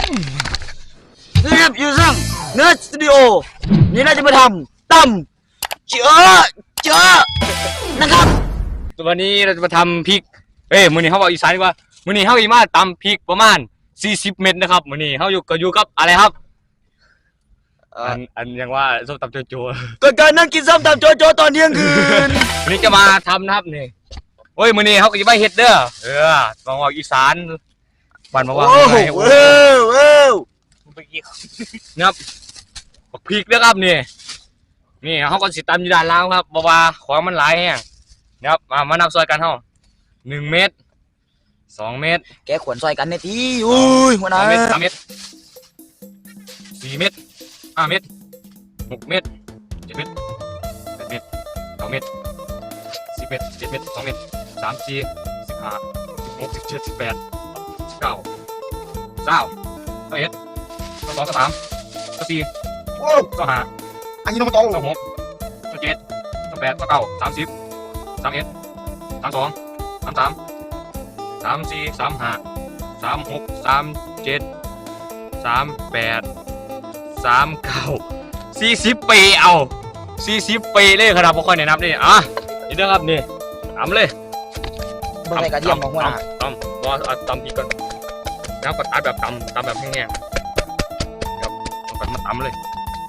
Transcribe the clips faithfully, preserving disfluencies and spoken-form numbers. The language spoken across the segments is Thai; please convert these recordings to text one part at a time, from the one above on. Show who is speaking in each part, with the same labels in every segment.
Speaker 1: นี่ครับอยู่ซึ่งเนื้อสตูดิโอนี่น่าจะมาทำตำเจอเจอนะครับ
Speaker 2: วันนี้เราจะมาทำพริกเอ้ยมื้อนี้เขาบอกอีสานดีกว่ามื้อนี้เขาอีมาตำพริกประมาณสี่สิบเม็ดนะครับมื้อนี้เขาอยู่ก็อยู่กับอะไรครับอันอันยังว่าส้มตำโจโจ
Speaker 1: ก็การนั่งกินส้มตำโจโจตอนเที่ยงคืน
Speaker 2: วันนี้จะมาทำนะครับนี่โอ้ยมื้อนี้เขาก็จะมาเฮ็ดเด้อเออมาว่าอีสานบ้านมาว่าโอ้โห
Speaker 1: เว้าวว้าว
Speaker 2: นะครับพริกเด้อครับนี่นี่เขาก็สิตำอยู่ด้านล่างครับเพราะว่าของมันหลายแห้งนะครับมามานับซอยกันเฮาหนึ่งเม็ดสองเม็ด
Speaker 1: แกขวนซอยกันในทีอุ้ยหัวหน้า
Speaker 2: สามเม็ดสามเม็ดสี่เม็ดห้าเม็ดหกเม็ดเจ็ดเม็ดแปดเม็ดเก้าเม็ดสิบเม็ดเจ็ดเม็ดสองเม็ดสามสี่สิบห้าสิบหกสิบเจ็ดสิบแปดสิบเก้าเก้าสิบเอ็ดสิบสองสิบสามสิบสี่สิบห้า
Speaker 1: อันนี้น้องโต
Speaker 2: สิบหกสิบเจ็ดสิบแปดสิบเก้าสามสิบสามเอ็ดสามสองสามสามสามสี่สามห้าสามหกสามเจ็ดสามแปดสามเก้าสี่สิบปีเอาสี่สิบปีเลยครับพวกคนเนี่ยนับนี่อ่ะนี่เด้อครับนี่ทำเลย
Speaker 1: เบอร์ไหนกระเทียมของหัวหน้า
Speaker 2: ตำบอสตำอีกก่อนแล้วก็ตัดแบบตำตำแบบแห้งๆครับแล้วก็มาตำเลย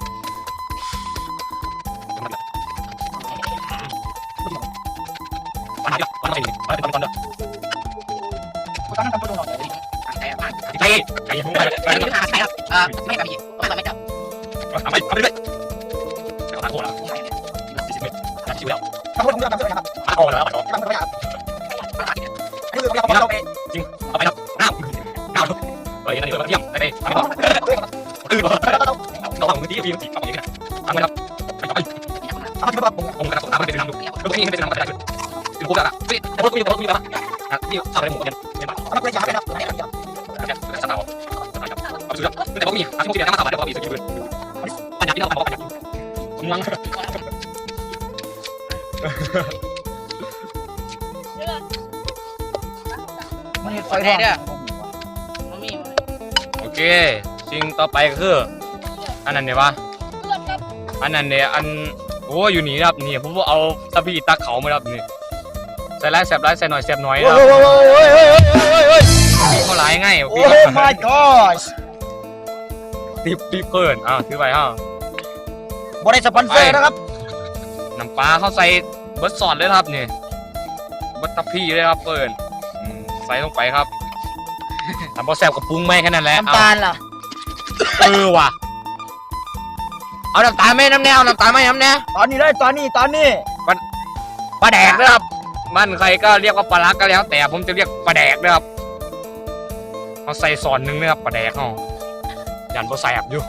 Speaker 2: วันนี้วันนี้วันนี้ตำก่อนเด้อ
Speaker 1: ตอนนั้นตำตัวหน่อยใช่ไหม
Speaker 2: ใช่ใช่ผมไปไป
Speaker 1: ใช่ครับเออไม่กับพี่ไม่กับไม่จับ
Speaker 2: ทำไปทำไปเลยแล้วทานโทษแล้วสี่สิบเมตรทานชิวแล้ว
Speaker 1: ทำโทษผมจะทำโทษนะครับ
Speaker 2: ทานโทษแล้วไปต่อ
Speaker 1: ทำโทษไม่อันนี้คือเราเราไป
Speaker 2: จริงเอาไปครับน้ำน้ำเฮ้ยนั่นเดี๋ยวมาเที่ยงไปไปทำต่อตื่นเราทำมือที่พี่ทำอย่างนี้นะทำไปครับไปต่อไป
Speaker 1: ทำที่แบบผม
Speaker 2: ผมกระตุ้นน้ำมันเป็นน้ำดูแล้วก็นี่เป็นน้ำกระจายเป็นโคตรอะเฮ้ยแต่ว่ากูยังแต่ว่ากูยังนะที่ทำอะไรหมดเนี่ยเนี่ยแบบ
Speaker 1: ทำอะไรอย่างไรครับอะไรอย่างเงี้ย
Speaker 2: สตาร์สตาร์ครับเอาสุดแล้วแต่ว่ามีอาชีพที่ได้มาสบายได้ว่ามีสกิลเลยปัญญาที่เราทำปัญญามึงลัง
Speaker 1: มันไฟแดงเนี่ย
Speaker 2: โอเคสิ่งต่อไปก็คืออันนั้นเนี่ยวะอันนั้นเนี่ยอันโอ้อยู่นี่ครับนี่ผมเอาตะพีตะเขามาครับนี่ใส่ไรแสบไรใส่หน่อยแสบหน่อยครับปีเขาหลายง่าย
Speaker 1: โอ้ my gosh
Speaker 2: ตีปีเกินอ้าวถือไปฮะ
Speaker 1: บริษัทสปอนเซอร์นะครับ
Speaker 2: น้ำปลาเขาใส่เบิร์ดสอดเลยครับนี่เบิร์ดตะพีเลยครับเกินใส่ลงไปครับทำพอแสบกับปรุงไหมแค่นั้นแหละ
Speaker 1: น้ำตาลล่ะ
Speaker 2: เออว่ะเอาน้ำตาลไหมน้ำแนวน้ำตาลไหมน้ำแนว
Speaker 1: ตอนนี้เลยตอนนี้ตอนนี้
Speaker 2: ปลาปลาแดกนะครับบ้านใครก็เรียกว่าปลาลักก็แล้วแต่ผมจะเรียกปลาแดกนะครับเขาใส่ซอนนึงนะครับปลาแดกเขายันพอแสบอยู่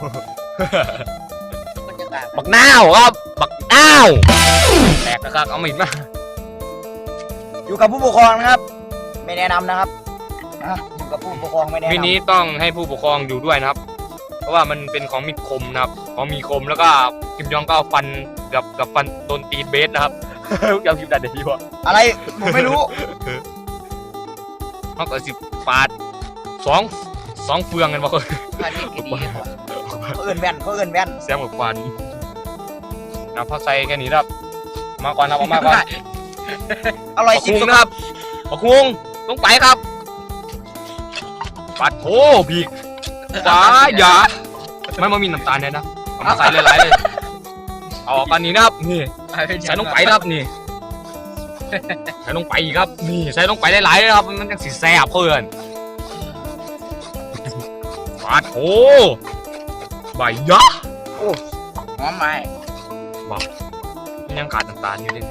Speaker 2: บักน้าวครับบักน้าวแดกนะครับเอามิดมา
Speaker 1: อยู่กับผู้ปกครองนะครับไม่แนะนำนะครับอยู่กับผู้ปกครองไม่แนะนำ
Speaker 2: วินี้ต้องให้ผู้ปกครองอยู่ด้วยนะครับเพราะว่ามันเป็นของมีคมนะครับของมีคมแล้วก็กิมยองก็ฟันกับกับฟันโดนตีเบสนะครับยาวคิวดันเดี๋ยวดีวะ
Speaker 1: อะไรผมไม่รู้
Speaker 2: เขาก็สิปาดสองสองเฟืองกันบ่คน
Speaker 1: เขาเอื่นแว่นเขาเอื่นแว่น
Speaker 2: เสียงแบบฟันนะพอใส่แค่นี้ครับมาก่อนนะมาก่อน
Speaker 1: อร่อยสิ
Speaker 2: ครับบักฮวงต้องไปครับปัดโถพีกป้าอย่าไม่มามีน้ำตาลเลยนะเอามาใส่หลายๆเลยเอากันนี้นะครับนี่ใส่ลงไปครับนี่ใส่ลงไปครับนี่ใส่ลงไปหลายๆเลยครับมันยังสีแซ่บเพื่อนปัดโถใบยะ
Speaker 1: โอ้หอมไหม
Speaker 2: บ้ายังขาดน้ำตาลอยู่เลย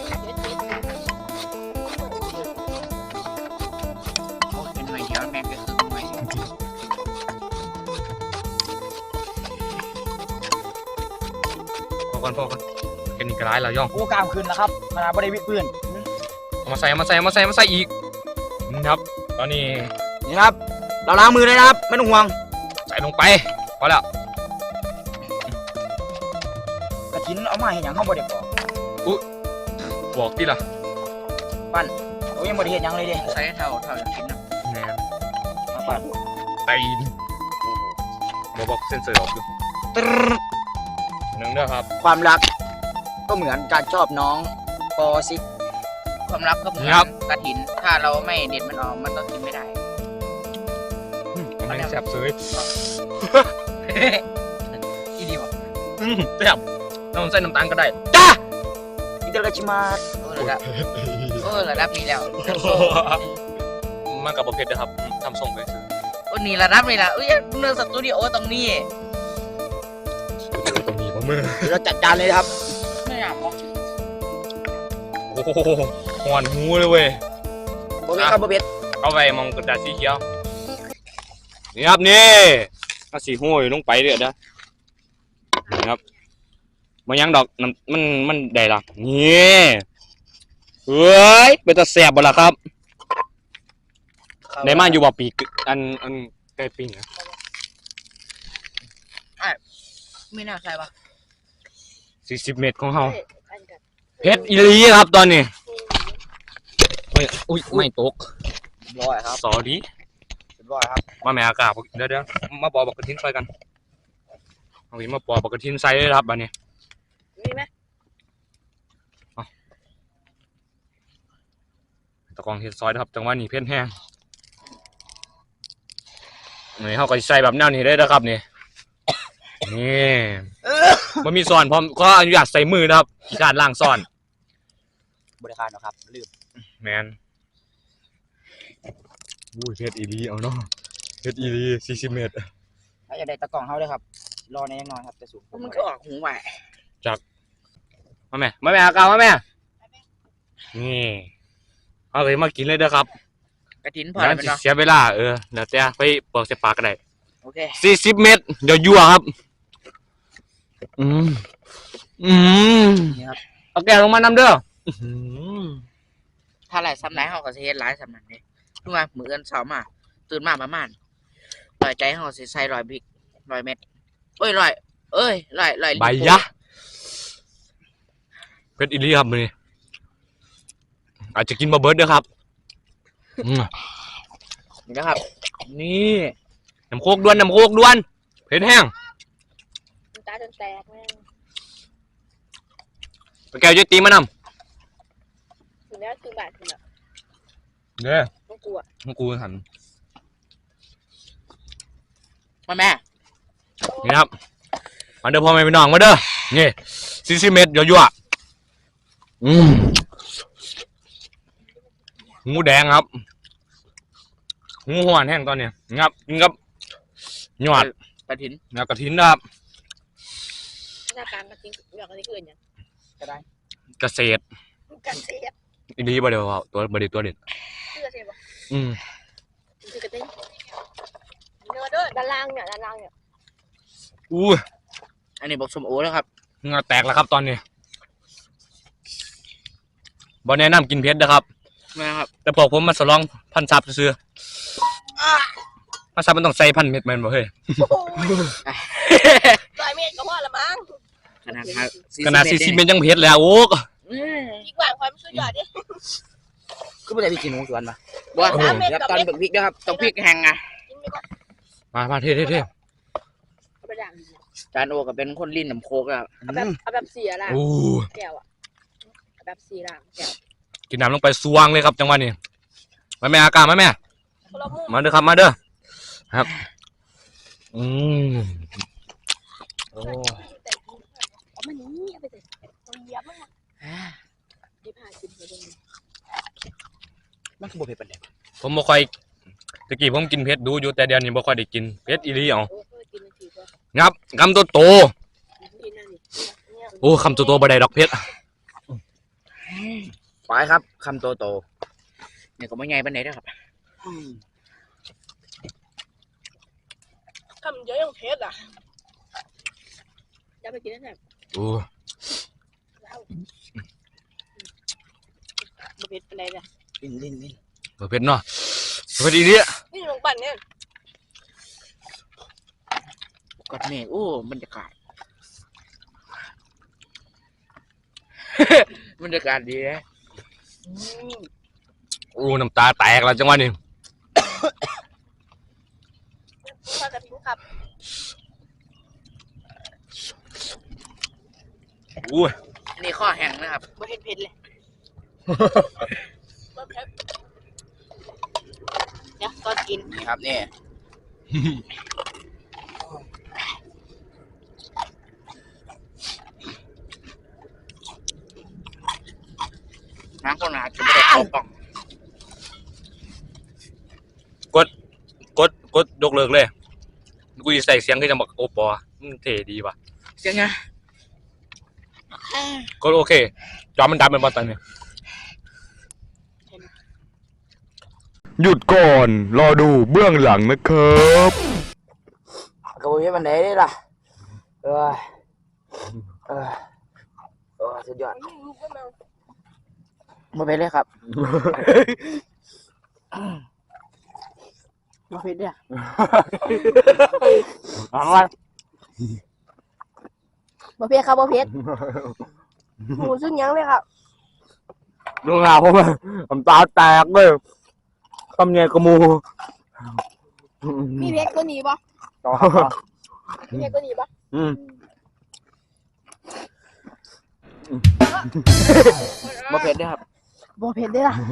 Speaker 2: พอกันพอกันแค่นี้ก็ร้ายแล้วย่อง
Speaker 1: โอ้กล้ามขึ้นแล้วครับขนาดบริวิตปืน
Speaker 2: เอามาใส่มาใส่มาใส่มาใส่อีกนี่ครับตอนนี้
Speaker 1: นี่ครับเราล้างมือเลยนะครับไม่ต้องห่วง
Speaker 2: ใส่ลงไปพอแล้ว
Speaker 1: กระถินเอามาเห็นอย่างข้าวบดเด็กบอก
Speaker 2: อุ๊บอกที่ล่ะ
Speaker 1: ปั้นโอ้ยังบดเห็นอย่างเลยดิ
Speaker 3: ใส่เท่าเท่าอย่างกินนะ
Speaker 2: แหน
Speaker 1: มาปั้น
Speaker 2: ตีนบอกบอกเซ็นเซอร์ออกอยู่
Speaker 1: ตรึ๊ด
Speaker 2: หนึ่งเด้อครับ
Speaker 1: ความรักก็เหมือนการชอบน้องปอซิก
Speaker 3: ความรักก็เหมือนกระถินถ้าเราไม่เด็ดมันออกมันก็กินไม่ได้
Speaker 2: กำลังแซ่บเสย
Speaker 3: อีดีวะ
Speaker 2: อืมแซ่บน้ำใส่น้ำตาลก็ได้
Speaker 1: จ้าอิตาลีชิมา
Speaker 3: เออระดับเออระดับนี้แล้ว
Speaker 2: มันกับประเภทเด้อครับทำส่งไปซื้อ
Speaker 3: โอ้นี่ระดับนี้ละเอ้ยเนื้อสตูดิโอตรงนี้
Speaker 2: ตัวมีป่ะมือ
Speaker 1: เดี๋ยวเราจัดจานเลยนะครับ
Speaker 3: ไม่อยากบอก
Speaker 2: โอ้โหหอนหูเลยเว้ย
Speaker 1: โอเคครับโบเบส
Speaker 2: เอาไปมองกระดาษสีเขียวนี่ครับนี่เอาสีห้อยลงไปเด้อเด้อนี่ครับมันยังดอกน้ำมันมันได้ละนี่เฮ้ยเป็นตะแสบบ่ล่ะครับได้มาอยู่บ่ปีกอันอันไก่ปิ้งอะ
Speaker 3: ไม่น่าใช่ปะ
Speaker 2: สี่สิบเมตรของเฮาเพชรอีหลีครับตอนนี้เฮ้ยอุ้ยไม่ตก
Speaker 1: ร้อยครับ
Speaker 2: สอดี
Speaker 1: ร้อยครับ
Speaker 2: มาแม่อากาศเดี๋ยวเดี๋ยวมาปอบอกกระทินใส่กันเอาอีมาปอบอกกระทินใส่เลยครับบัดนี้
Speaker 3: มีไหม
Speaker 2: ตะกองเฮ็ดซอยนะครับจังหวะนี้เพ่นแห้งนี่เขาก็ใส่แบบแนวนี้ได้แล้วครับนี่นี่มันมีซ่อนพร้อมก็อนุญาตใส่มือนะครับการล้างซ่อน
Speaker 1: บริการนะครับลืม
Speaker 2: แมนอุ้ยเพชรอีรีเอาเนาะเพชรอีรีสี่สิบเมตร
Speaker 1: ถ้าอยากได้ตะกล่องเขาเลยครับรอในยังน้อยครับจะสูง
Speaker 3: มันก็ออกหูไหว
Speaker 2: มาแม่มาแม่อากาศมาแม่นี่เอาเลยมากินเลยเด้อครับ
Speaker 3: กระถินพอ
Speaker 2: แล้ว
Speaker 3: แล้ว
Speaker 2: สิ
Speaker 3: เนาะ
Speaker 2: เสียเวลาเออแล้วแต่ไปเปิดใส่ปากก็ได้
Speaker 3: โอเค
Speaker 2: สี่สิบเมตรเดี๋ยวยั่วครับอืมอืม
Speaker 1: นี่ครับ
Speaker 2: เอาแก้วลงมานำเด้อ
Speaker 3: ถ้าหลายซ้ำไหนเขาก็จะเฮ็ดหลายซ้ำนั้นเลยทุกวันมื้อเอิ้นเช้ามาตื่นมาประมาณร้อยใจเขาสิใส่ร้อยพริกร้อยเม็ดเอ้ยร้อยเอ้ยร้อยร้อย
Speaker 2: ใบยะเพชรอีลีครับมือนี้อาจจะกินมาเบิร์ดเด้อครับอืม
Speaker 3: นี่นะครับ
Speaker 2: นี่น้ำโคกด้วนน้ำโคกด้วนเพชรแห้ง
Speaker 4: ตาจนแตกแม่ง
Speaker 2: ไปแก้วจะตีมาน
Speaker 4: ถึงแล้วคือบาดถึงแบบ
Speaker 2: ำเนี่ย
Speaker 4: ต้องกลัว
Speaker 2: ของกูหัน
Speaker 3: มาแม่
Speaker 2: นี่ครับมาเด้อพ่อแม่พี่น้องมาเด้อนี่สี่สิบเมตรยั่วๆอืมงูแดงครับงูหวานแห้งตอนนี้งับกินกับหยอด
Speaker 3: กระถิน
Speaker 2: แล้วกระถินนะครับ
Speaker 4: หน้าการมาจริงอยากอะไรคืออย่าง
Speaker 1: ก็ได้
Speaker 2: เกษตร
Speaker 4: กันเสียบ
Speaker 2: อีดีบ่เดียวเอาตัวบ่เดียวตัวเด็ด
Speaker 4: เสื้อเสียบ
Speaker 2: อืม
Speaker 4: คือกระติ้งเนื้อด้วยด้านล่างเนี่ยด้านล่างเนี่ย
Speaker 2: อู้
Speaker 3: อันนี้บอกสมโอแล้วครับ
Speaker 2: เหงาแตกแล้วครับตอนนี้บ่แนะนำกินเพชรนะครับ
Speaker 3: นะครับ
Speaker 2: แต่พอผมมาสลองพันซับซื้อๆพันซับมันต้องใส่พันเม็ดแม่นบ่เฮ้ย
Speaker 4: ลอยเมตรก็พอละมั้ง
Speaker 3: ขนาดครับ
Speaker 2: ขนาดสี่สิบเม็ดยังเพชรแล้วโอ้ก
Speaker 3: อืม
Speaker 4: อีกกว่าความสุดยอดดิ
Speaker 1: คือไม่ได้พี่กินหมูสวนมา
Speaker 3: บ่ครับตอนบึกพริกนะครับต้องพริกแห้งอ่ะ
Speaker 4: กินไปก่อน
Speaker 2: มามาเท่เท่เท่
Speaker 4: เอาไปด่าง
Speaker 3: จานโอก็เป็นคนลิ้นน้ำโคกอ่ะ
Speaker 4: เอาแบบเอาแบบเสียล่าง
Speaker 2: โอ้
Speaker 4: แก้วอ่ะเอาแบบสีล่างแก้ว
Speaker 2: กินน้ำลงไปสวงเลยครับจังหวะนี้มาแม่อากาศมาแม่
Speaker 4: คนละมุม
Speaker 2: มาเด้อครับมาเด้อครับอืมโอ้
Speaker 4: เอามานี้เอาไปเตะเอาเหยียบมันดีผ่ากินไปเลย
Speaker 1: มันคือโบเบสเป็นไง
Speaker 2: ผมบ่ค่อยตะกี้ผมกินเพชรดูอยู่แต่เดี๋ยวนี้บ่ค่อยได้กินเพชรอีหลีเอา
Speaker 4: โอ้ยกินนาทีก็
Speaker 2: งับคำโตโต
Speaker 4: กินนั่นนี่เนี่ย
Speaker 2: โอ้คำโตโตบ่ได้ดอกเพชร
Speaker 1: ไปครับคำโตโต
Speaker 3: เนี่ยก็ไม่ใหญ่ปานไหนนะครับ
Speaker 4: ทำเยอะยังเพชรอ่ะอย่าไปกินนั่นแหละ
Speaker 2: โอ้
Speaker 4: บเพชรเป็นไรเนี่ย
Speaker 1: ลิ้นลิ้นลิ้น
Speaker 2: บ่เพชรเนาะเพชรอีหลี
Speaker 4: นี่ลงปั่นเนี่ย
Speaker 3: กดเมฆโอ้บรรยากาศ บรรยากาศดีนะ
Speaker 2: โอ้น้ำตาแตกแล้วจังหวะนี้
Speaker 4: ข้ากระทิ้งครับ
Speaker 2: อุ้ย
Speaker 3: อันนี้ข้อแห้งนะครับ
Speaker 4: บ่เห็นเผ็ดเลยบ่เผ็ดเดี๋ยวตอนกิน
Speaker 3: นี่ครับนี่น้ำคนหนาจะไม่ได้เข้ากล่อง
Speaker 2: กดกดกดยกเลิกเลยกูจะใส่เสียงขึ้นจะบอกโอปอมันเท่ดีว่ะ
Speaker 3: เสียงไง
Speaker 2: ก็โอเคจอมันดำเป็นบอลตันเนี่ยหยุดก่อนรอดูเบื้องหลังนะครับ
Speaker 1: กระบุยมันไหนได้ล่ะเออเออเออสุดยอด
Speaker 4: ลูกก็มา
Speaker 1: มาเป็นเลยครับ
Speaker 4: บ่เผ็ดเด้อ
Speaker 1: เอามา
Speaker 4: บ่เผ็ดครับบ่เผ็ดหมูซึ่งยังเลยครับ
Speaker 1: ดูงาผมผมตาแตกเลยคำเนี่ยกระมู
Speaker 4: มีเผ็ดก็หนีบ่
Speaker 1: ต่อ
Speaker 4: มีเผ็ดก็หนีบ่
Speaker 1: อืมมาเผ็ดด้วยครับ
Speaker 4: บ่เผ็ดเด้อล่ะ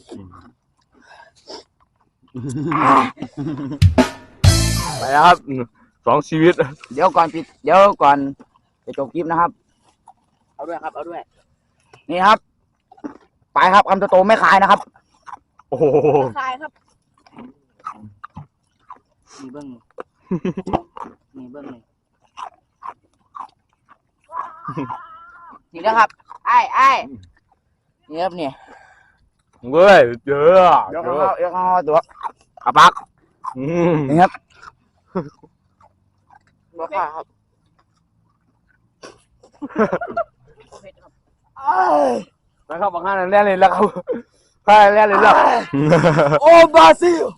Speaker 2: ไปแล้วครับสองชีวิต
Speaker 1: เดี๋ยวก่อนปิดเดี๋ยวก่อนจะจบคลิปนะครับ
Speaker 3: เอาด้วยครับเอาด้วย
Speaker 1: นี่ครับ ไปครับคำโตๆไม่ขายนะครับ
Speaker 2: โอ้โห
Speaker 4: คลายครับ
Speaker 3: มีเบิ้งมีเบิ้งเลย
Speaker 1: นี่นะครับไอ้ไอ้นี่ครับนี่
Speaker 2: เว้ยเจอ
Speaker 1: เดี๋ยวเขาเดี๋ยวเขาตัวอาปัก
Speaker 2: อืม
Speaker 1: นี่ครับ
Speaker 3: บ่ค่ะครับ
Speaker 1: นะครับบางท่านแน่เลยแล้วครับใช่แน่เลยแล้วโอ้บราซิล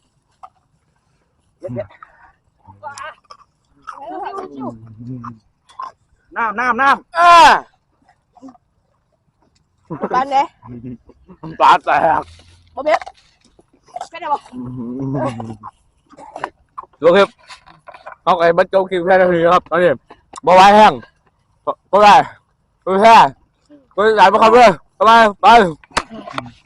Speaker 1: น้ำน้ำน้ำอ่า
Speaker 4: บ้านไหน
Speaker 1: ปลาแตก
Speaker 4: บ่เผ็ดเผ็ดได้บ่
Speaker 2: ลูกครับเอาไอ้บัตรโจคิวแค่นาทีครับตอนนี้บ่ไหวแห้งก็ได้ก็แค่ก็ได้ไปครับเพื่อนไปไป